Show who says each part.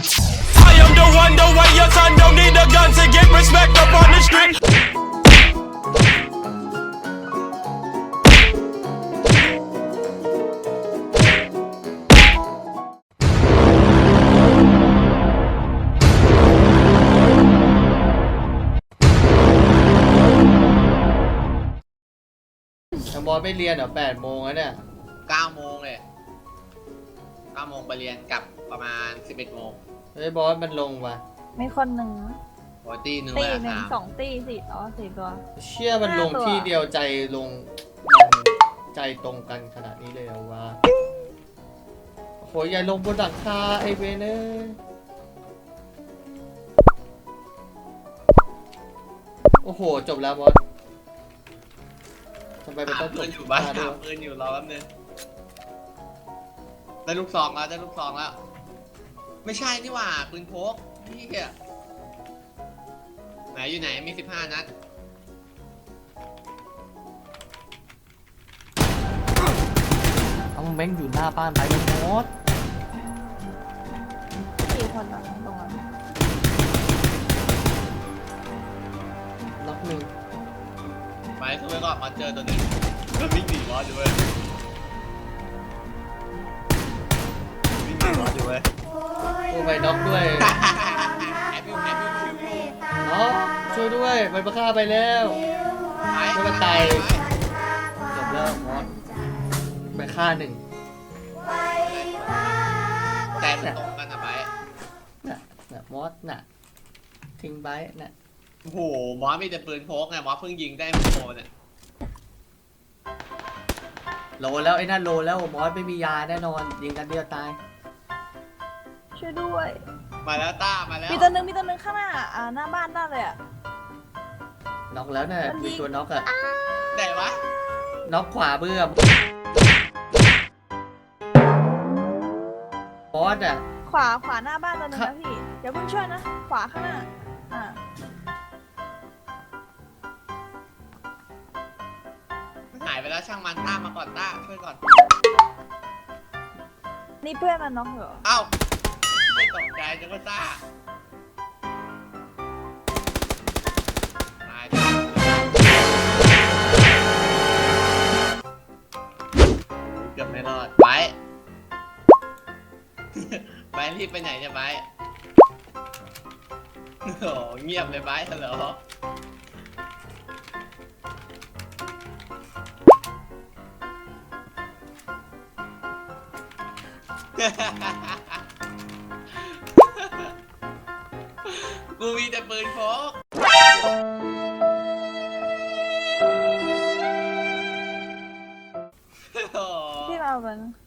Speaker 1: I am the one, the way your son don't need a gun to get respect up on the street.
Speaker 2: บอสไม่เรียนเหรอ8 โมงแล้วเนี่ย
Speaker 3: 9 โมงเลย9 โมงไปเรียนกลับประมาณ11 โมง
Speaker 2: เฮ้ยบอสมันลงว่ะ
Speaker 4: มีคนหนึ่งนะ
Speaker 3: โอ้ยตีหนึ่ง
Speaker 4: ตี
Speaker 3: เลย
Speaker 4: หนึ่ง
Speaker 3: ครับ
Speaker 4: 2 ตี4 ตัว
Speaker 2: เชื่อมันลง
Speaker 4: 5 ตัว
Speaker 2: ที่เดียวใจลงมันใจตรงกันขนาดนี้เลยเหรอวะโอ้โหอย่าลงบนหลังคาไอเวเนอร์โอ้โหจบแล้วบอสทำไมมันต้องจ
Speaker 3: ปื
Speaker 2: บ
Speaker 3: นอยู่บ้าน
Speaker 2: ด้ว
Speaker 3: หาย ปืนอยู่รอแป๊บนึงได้ลูกซองแล้วได้ลูกซองแล้วไม่ใช่นี่หว่าปืนพกนี่แกไหนอยู่ไหนมี15 นัด
Speaker 2: เอาแม่งอยู่หน้าบ้านไปมันมด
Speaker 4: 4 คนตรงนั้น
Speaker 2: ล็อกหนึ่ง
Speaker 3: ไปสู้ไปก่อนมาเจอตัวนี้วิ่งหนีบอสอยู่เว้ยวิ่งหนีบอสอยู่เว้ย
Speaker 2: โอ้ไปน็อกด้วย
Speaker 3: แอบอยู่คิว
Speaker 2: อ๋อช่วยด้วยมันมาฆ่าไปแล้วไม่มาตายจบแล้วมอสไปฆ่า1
Speaker 3: ใจมันตรงกันนะไป
Speaker 2: น่ะมอสน่ะทิ้งไว้น่ะ
Speaker 3: โอ้โหมอสมีแต่ปืนพกไงมอสเพิ่งยิงได้โมเนี่ย
Speaker 2: โลแล้วไอ้นั่นโลแล้วมอสไม่มียาแน่นอนยิงกันเดียวตาย
Speaker 4: ช่วยด้วย
Speaker 3: มาแล้วต้ามาแล้ว
Speaker 4: มีตัวหนึ่งข้างหน้าหน้าบ้านได้เลยอ่ะ
Speaker 2: น็อกแล้วน่ะ
Speaker 4: มันยิ
Speaker 2: มี
Speaker 4: ง
Speaker 2: ตัวน็อกอะ
Speaker 3: ไหนวะ
Speaker 2: น็อกขวาเบื้อมบอสอะ
Speaker 4: ขวาหน้าบ้านตัวหนึงนะพี่อย่าเพิ่งช่วยนะขวาข้างหน้า
Speaker 3: หายไปแล้วช่างมันต้ามาก่อนต้าช่วยก่อน
Speaker 4: นี่เพื่อนมันน็อกเหรอ
Speaker 3: เอ้าไม่ตกใจจังว่าต้าตายเกือบไม่รอดไป ไปรีบไปไหนเนี่ยไปโอ้โหเงียบเลยไปฮัลโหลกูมีแต่ปืนพก
Speaker 4: ที่เราเป็น